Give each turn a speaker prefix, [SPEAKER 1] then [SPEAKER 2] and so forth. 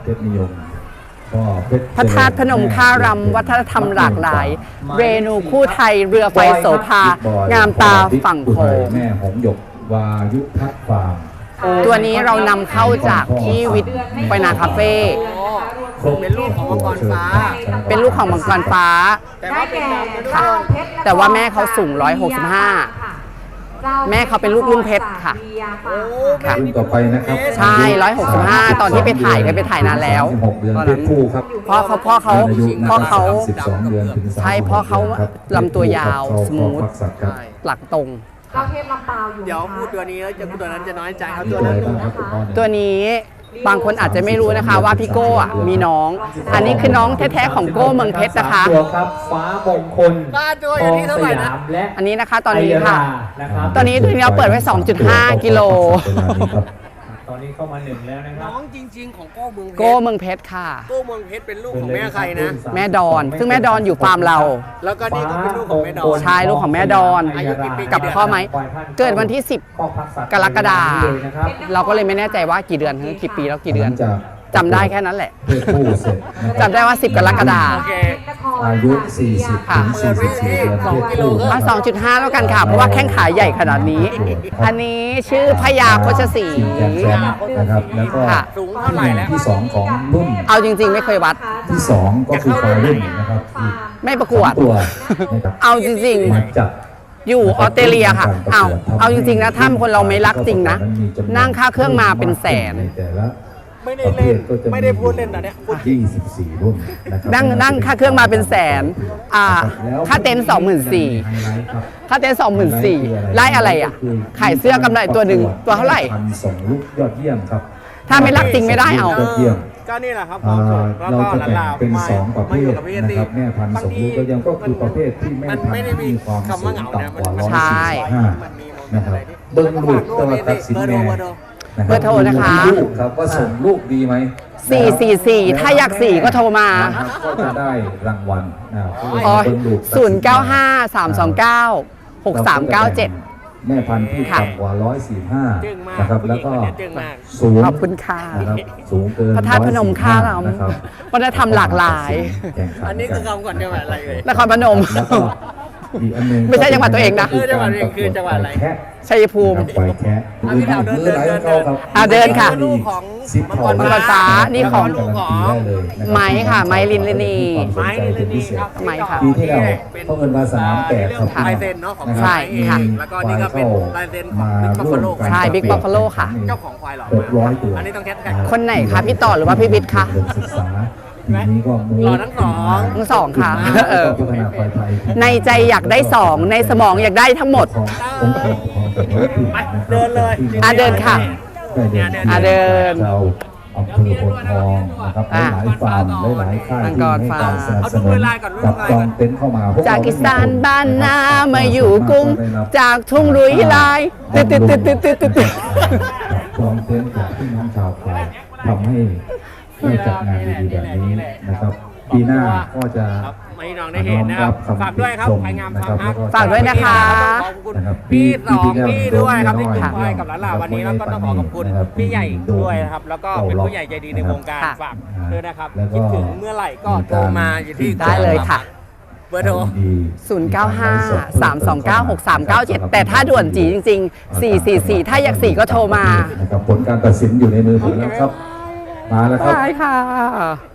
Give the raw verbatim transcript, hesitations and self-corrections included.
[SPEAKER 1] เพชรนิยมก็เพชร
[SPEAKER 2] พระธาตุพนมท่ารำวัฒนธรรมหลากหลาย เรนูคู่ไทยเรือไฟโสภางามตาฝั่งโขง
[SPEAKER 1] แม่หงหยกวายุทัศน์ฟาร์ม
[SPEAKER 2] ตัวนี้เรานำเข้าจากที่วิทย์ไฟนาคาเฟ่
[SPEAKER 3] เป็นลูกของมังกรฟ้า
[SPEAKER 2] เป็นลูกของมังกรฟ้า
[SPEAKER 3] แต่ว่าเป็นดำนะทุก
[SPEAKER 2] ค่ะ
[SPEAKER 3] คน
[SPEAKER 2] แต่ว่าแม่เขาสูงหนึ่งร้อยหกสิบห้า แม่เขาเป็นลูกรุ่งเพชรค่ะ
[SPEAKER 3] โอ้
[SPEAKER 2] ค่ะ
[SPEAKER 1] รุ่นต่อไปนะครับ
[SPEAKER 2] ใช่ร้อยหกสิบห้าตอนที่ไปถ่ายเนี่ยไปถ่ายนานแล้ว
[SPEAKER 1] หกเดือนเพศผู้ครับ
[SPEAKER 2] พ่อเขาพ่อเขา
[SPEAKER 1] อายุ
[SPEAKER 2] พ่อเขา
[SPEAKER 1] สิบสองเดือนถึงสาม
[SPEAKER 2] ใช่พ่อเขา
[SPEAKER 1] ดืนครับ
[SPEAKER 2] ลำตัวยาว
[SPEAKER 1] เพศผู้
[SPEAKER 2] สมูท
[SPEAKER 1] ครับเข้าพักสัตว์ครับ
[SPEAKER 2] หลักตรง
[SPEAKER 4] เจ้าเทพลำปาวอยู่
[SPEAKER 3] เดี๋ยว
[SPEAKER 4] นะคะ
[SPEAKER 3] พูดตัวนี้แล้วจะพูดตัวนั้นจะน้อยใจเอา
[SPEAKER 1] มี
[SPEAKER 3] ตัว
[SPEAKER 1] อะไร
[SPEAKER 3] นั้น
[SPEAKER 1] บ้างครับคุณพ่อเนี่ย
[SPEAKER 2] ตัวนี้บางคนอาจจะไม่รู้นะคะว่าพี่โก้อะมีน้อง อันนี้คือน้องแท้ๆของโก้เมืองเพชรนะคะ
[SPEAKER 5] ตัวครับฟ้ามงคล
[SPEAKER 3] บ้านตัวอยู่ที่เท่าไหร่นะ
[SPEAKER 5] ทองสยามและ
[SPEAKER 2] อันนี้นะคะตอนนี้ค่ะ
[SPEAKER 5] ไอรานะครับ
[SPEAKER 2] ตอนนี้ตัวนี้เราเปิดไว้ สองจุดห้า กิโล
[SPEAKER 5] ตอนนี้เข้ามาหนึ่งแล้วนะครับ
[SPEAKER 3] น้องจริง ๆ ของโก้เมืองเพชร
[SPEAKER 2] โก้เมืองเพชรค่ะ
[SPEAKER 3] โก้เมืองเพชรเป็นลูกของแม่ใครนะ
[SPEAKER 2] แม่ดอน ซึ่งแม่ดอนอยู่ฟาร์มเรา
[SPEAKER 3] แล้วก็นี่ก็เป็นลูกของแม่ดอน
[SPEAKER 2] ใช่ลูกของแม่ดอน
[SPEAKER 3] อายุกี่ปี
[SPEAKER 2] กับพ่อไหม เกิดวันที่สิบ กรกฎาคม
[SPEAKER 5] นะครับ
[SPEAKER 2] เราก็เลยไม่แน่ใจว่ากี่เดือนถึงกี่ปีแล้วกี่เดือน
[SPEAKER 1] จาก
[SPEAKER 2] จำได้แค่นั้นแหละ
[SPEAKER 1] เพศผู้เสร็จนะครับ
[SPEAKER 2] จำได้ว่าสิบกรกฎาค
[SPEAKER 3] โอ
[SPEAKER 2] ม
[SPEAKER 3] เค
[SPEAKER 1] อายุ สี่สิบ ถึง สี่สิบสี่ เดือนเพศผู้
[SPEAKER 2] เอาสองจุดห้า แล้วกันค่ะ เพราะว่าแข้งขาใหญ่ขนาดนี้ อันนี้ชื่อพญาโคชศรี
[SPEAKER 1] แกนแชมป์นะครับ แล้วก็
[SPEAKER 2] ค่ะ
[SPEAKER 3] สูงเท่าไหร่แล้ว
[SPEAKER 1] ที่สองของรุ่น
[SPEAKER 2] เอาจริงๆ ไม่เคยวัด
[SPEAKER 1] ที่สองก็คือควายรุ่นนะครับอีก
[SPEAKER 2] ไม่ประกวด
[SPEAKER 1] สองตัวนะครับ
[SPEAKER 2] เอาจริง
[SPEAKER 1] มาจับ
[SPEAKER 2] ๆ อยู่ออสเตรเลียค่ะ เอาเอาจริงๆนะ ถ้าคนเราไม่รักจริงนะ นั่งค่าเครื่องมาเป็นแสน
[SPEAKER 1] ในแต่ละ
[SPEAKER 3] ไม่ได้เล่นไม่ได้พูดเล่นนะเนี่ยพูดจริง
[SPEAKER 1] ยี่สิบสี่รุ่นนะครับ
[SPEAKER 2] นั่งนั่งค่าเครื่องมาเป็นแสน อ่า ค่าเต็นท์สองหมื่นสี่
[SPEAKER 1] ไฮไลท์ครับ
[SPEAKER 2] ค่าเต็นท์สองหมื่นสี่ไล่อะไรอ่ะ ขายเสื้อกำไรตัวหนึ่งตัวเท่าไหร่
[SPEAKER 1] พันสองลูกยอดเยี่ยมครับ
[SPEAKER 2] ถ้าไม่รักจริงไม่ได้เอา
[SPEAKER 1] ยอดเยี่ยม
[SPEAKER 3] ก็นี่แหละครับค
[SPEAKER 1] อ่
[SPEAKER 3] วามสุ
[SPEAKER 1] า
[SPEAKER 3] ขแล้ว
[SPEAKER 1] เรา
[SPEAKER 3] ก็
[SPEAKER 1] จะแบ่ง
[SPEAKER 3] หลานๆ
[SPEAKER 1] เป็น
[SPEAKER 3] มา
[SPEAKER 1] สองประเภ
[SPEAKER 3] มาอยู่
[SPEAKER 1] ท
[SPEAKER 3] กับพี่
[SPEAKER 1] นะครับแม่พันธุ์สองลูกก็ยังก็คือประเภทที่แม่
[SPEAKER 3] มัน
[SPEAKER 1] พัน
[SPEAKER 3] ไม่ได้
[SPEAKER 1] ธุ์
[SPEAKER 3] มี
[SPEAKER 1] มีความ
[SPEAKER 3] คำ
[SPEAKER 1] สู
[SPEAKER 3] ว่าง เหงา
[SPEAKER 1] ต่ำกว่า
[SPEAKER 3] นะ
[SPEAKER 1] ร้อย
[SPEAKER 2] ใช่
[SPEAKER 1] สี่สิบห้า
[SPEAKER 3] มันมีโมเมน
[SPEAKER 1] นะ
[SPEAKER 3] ต์
[SPEAKER 1] ครั
[SPEAKER 3] อะ
[SPEAKER 1] บ
[SPEAKER 3] ไรที่
[SPEAKER 1] เบิ้งลูกตะวันตัดสินแม่
[SPEAKER 3] เบอร์โทร
[SPEAKER 2] เบอร์โทรนะคะ
[SPEAKER 1] ดูลูกครับว่าส่งลูกดีไหม
[SPEAKER 2] สี่สี่สี่ถ้าอยากสี่ก็โทรมา
[SPEAKER 1] นะครับก็จะได้รางวัลนะครับ
[SPEAKER 2] อ๋อ
[SPEAKER 1] เบิ้งลูกตัดสิ
[SPEAKER 2] ศูนย์เก้าห้าสามสองเก้าหกสามเก้าเจ็ด
[SPEAKER 1] แม่พันธุ์ที่
[SPEAKER 2] ค่ะ
[SPEAKER 1] ต่ำกว่าร้อยสี่ห้า
[SPEAKER 3] จึ้งมาก
[SPEAKER 1] นะครับแล้วก็
[SPEAKER 3] จึ้งมาก
[SPEAKER 1] สูง
[SPEAKER 2] ขอบคุณค่ะ
[SPEAKER 1] นะครับสูงเกิน
[SPEAKER 2] พระธาตุพนมค่าเรา
[SPEAKER 1] นะครับ
[SPEAKER 2] วัฒนธรรมหลากหลาย
[SPEAKER 1] แข่งขั
[SPEAKER 3] อันนี้คือคำก่อนจังหวัดอะไรเลย
[SPEAKER 2] นครพนม
[SPEAKER 1] แล้วก็อีกอันหนึง
[SPEAKER 2] ไม่ใช่จังหวัดตัวเองนะ
[SPEAKER 3] เออจังหวัดตัวเองคือจังหวัดอะไร
[SPEAKER 1] แคะ
[SPEAKER 2] ชัยภูมิ
[SPEAKER 1] ควายแคะ
[SPEAKER 3] เอาพี่ดาวเดิน
[SPEAKER 1] มือไหลของเขาครับ
[SPEAKER 2] อ่ะเดินค่ะ
[SPEAKER 3] ลูกของ
[SPEAKER 1] ซิปทอง
[SPEAKER 3] มังกร
[SPEAKER 2] ฟ้านี่ของ
[SPEAKER 1] ลูกของ
[SPEAKER 2] ไม้ค่ะไม้ลินลินี
[SPEAKER 3] ไม้ลินลินีครับ
[SPEAKER 2] ไม้ค่ะ
[SPEAKER 1] ปีที่แล้วเขาเอิ้นว่าสนามแตกครับ
[SPEAKER 3] ลายเซ็นเนาะของ
[SPEAKER 2] ใช่
[SPEAKER 3] ไม้เอง
[SPEAKER 2] ค่ะ
[SPEAKER 3] แล้วก็นี่ก็เป็นลายเซ็นของ
[SPEAKER 1] มา
[SPEAKER 3] บิ๊กบัฟ
[SPEAKER 1] ร่ว
[SPEAKER 3] ฟาม โล
[SPEAKER 1] กัน
[SPEAKER 2] ใช่ Big Buffalo ค่ะ
[SPEAKER 3] เจ้าของควายเหรอ
[SPEAKER 1] หกร้อยตัว
[SPEAKER 3] อันนี้ต้องแคทแท็ก
[SPEAKER 2] คนไหนคะพี่ต่อหรือว่าพี่บิ๊กคะ
[SPEAKER 1] ศึกษาปีนี้ก็มู
[SPEAKER 3] หล่อทั้งสอง
[SPEAKER 2] ทั้งสองค่ะเออ
[SPEAKER 1] พัฒนาควายไทย
[SPEAKER 2] ในใจอยากได้สองในสมองอยากได้ทั้งหมด
[SPEAKER 1] ขององค์กรปกครองส่วนท้องถิ่นนะครับ
[SPEAKER 3] เดินเลย
[SPEAKER 2] อ่ะเดินค่ะ
[SPEAKER 1] ได้เดิน
[SPEAKER 2] อ่ะเดิน
[SPEAKER 1] เจ้าอำเภอโพนทองนะครับ
[SPEAKER 2] อ่ะ
[SPEAKER 1] หลายๆฟาร์มหลายๆค่าย
[SPEAKER 2] มัง
[SPEAKER 1] ที่
[SPEAKER 2] กร
[SPEAKER 1] ให้
[SPEAKER 2] ฟาร์
[SPEAKER 1] การ
[SPEAKER 2] ม
[SPEAKER 1] สนับสนุนกับจองเต็นท์เข้ามาพวเร
[SPEAKER 2] จากอีสานบ้านนามาอยู่กรุง
[SPEAKER 1] ได้รับ
[SPEAKER 2] จากทุ่งรุยลายติดติดติดติดติดติดติด
[SPEAKER 1] จองเต็นท์จากพี่น้องชาวไทยทำให้ได้จัดงานดีๆแบบนี้นะครับ ปีหน้าก็จะ
[SPEAKER 3] ครับไม่น้องได้เห็นนะครับฝากด้วยครับควายงามฟาร์มฮัก
[SPEAKER 2] ฝากด้วยนะคะ
[SPEAKER 3] ขอบคุณพี่สองพี่ด้วยครับที่จุดควายกับหลานๆวันนี้แล้วก็ต้องขอขอบคุณพี่ใหญ่ด้วยนะครับแล้วก็เป็นผู้ใหญ่ใจดีในวงการ
[SPEAKER 2] ค่ะ
[SPEAKER 3] ฝากด้วยนะครับคิดถึงเมื่อไหร่ก็โทรมาอยู่ที่
[SPEAKER 2] ได้เลยค่ะ
[SPEAKER 3] เบอร์โทร
[SPEAKER 2] ศูนย์ เก้า ห้า สาม สอง เก้า หก สาม เก้า เจ็ด แต่ถ้าด่วนจีจริงๆ สี่ สี่ สี่ ถ้าอยากสี่ก็โทรมา
[SPEAKER 1] นะครับผลการตัดสินอยู่ในมือผมแล้วครับ มาแล้วครับ
[SPEAKER 2] ได้ค่ะ